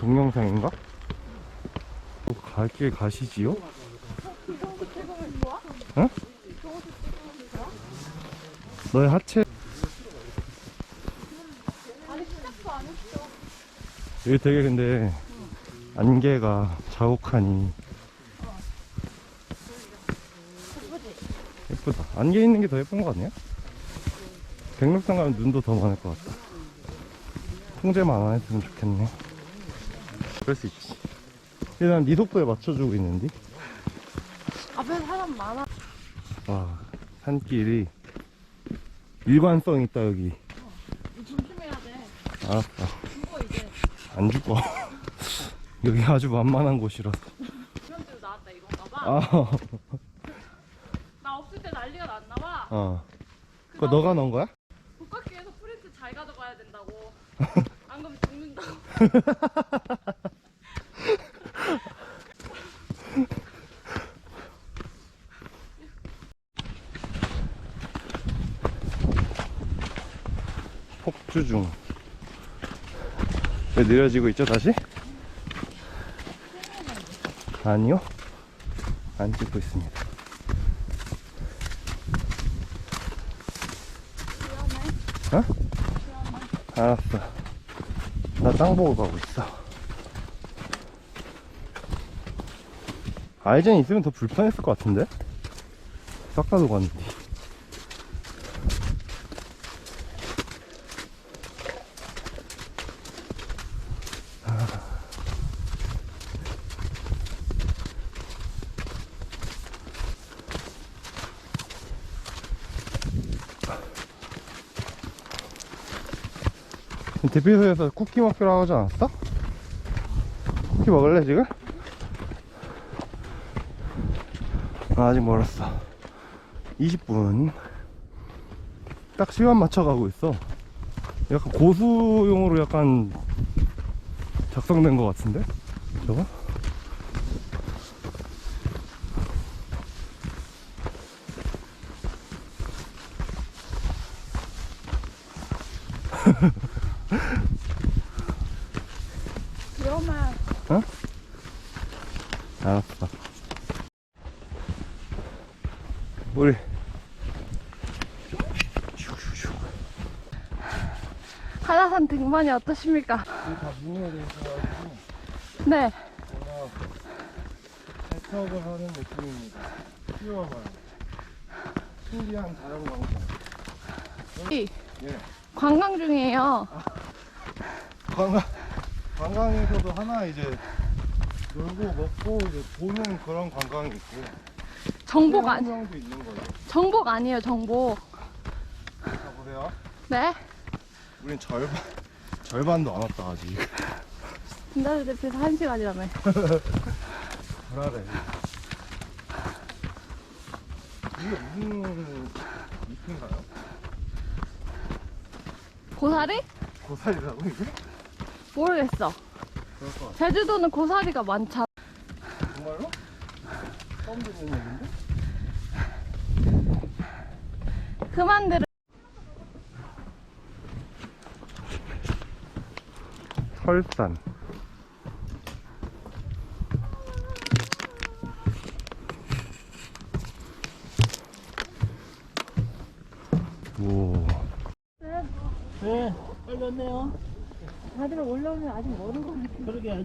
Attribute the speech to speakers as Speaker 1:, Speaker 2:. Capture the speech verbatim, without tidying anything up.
Speaker 1: 동영상인가? 갈 길 가시지요? 응? 너의 하체 여기 되게 근데 안개가 자욱하니 예쁘다. 안개 있는 게 더 예쁜 거 아니야? 백록산 가면 눈도 더 많을 것 같다. 통제만 안 했으면 좋겠네. 그럴 수 있지. 일단 네 속도에 맞춰주고 있는데.
Speaker 2: 앞에 사람 많아.
Speaker 1: 와, 산길이 일관성 있다 여기.
Speaker 2: 조심해야 돼.
Speaker 1: 알았어.
Speaker 2: 죽어 이제.
Speaker 1: 안 죽어. 여기 아주 만만한 곳이라서.
Speaker 2: 이런 데로 나왔다 이건가 봐.
Speaker 1: 아,
Speaker 2: 나 없을 때 난리가 났나 봐.
Speaker 1: 어. 그거 너가 넣은 거야?
Speaker 2: 복합기에서 프린트 잘 가져가야 된다고. 안 그러면 죽는다고.
Speaker 1: 폭주 중. 왜 느려지고 있죠 다시? 아니요, 안 찍고 있습니다. 어? 알았어. 나 땅 보고 가고 있어. 아이젠 있으면 더 불편했을 것 같은데? 싹 다 녹았는데. 대피소에서 쿠키 먹기로 하지 않았어? 쿠키 먹을래 지금? 아, 아직 멀었어. 이십 분 딱 시간 맞춰가고 있어. 약간 고수용으로 약간 작성된 것 같은데? 저거?
Speaker 2: 그러면
Speaker 1: 어? 알았어. 우리
Speaker 2: 한라산 등반이 어떠십니까?
Speaker 1: 다 문어에 대해서
Speaker 2: 네.
Speaker 1: 해석을 하는 느낌입니다. 쉬워봐요. 신기한 자연 광장.
Speaker 2: 이
Speaker 1: 예.
Speaker 2: 관광 중이에요.
Speaker 1: 관광, 관광에서도 하나 이제 놀고 먹고 이제 보는 그런 관광이 있고
Speaker 2: 정복 아니
Speaker 1: 명도 있는 거죠.
Speaker 2: 정복 아니에요 정복.
Speaker 1: 자 보세요.
Speaker 2: 네.
Speaker 1: 우린 절반 절반도 안 왔다 아직.
Speaker 2: 근데 대피소 한 시간이라며.
Speaker 1: 불안해. 이게 무슨 잎인가요?
Speaker 2: 고사리?
Speaker 1: 고사리라고 이게?
Speaker 2: 모르겠어.
Speaker 1: 그럴 것 같아.
Speaker 2: 제주도는 고사리가 많잖아.
Speaker 1: 정말로? 처음 듣는 얘기인데?
Speaker 2: 그만 들어.
Speaker 1: 설산. 오.
Speaker 3: 네, 빨리 왔네요.
Speaker 2: 다들 올라오면 아직 모르는 거 같아.
Speaker 3: 그러게.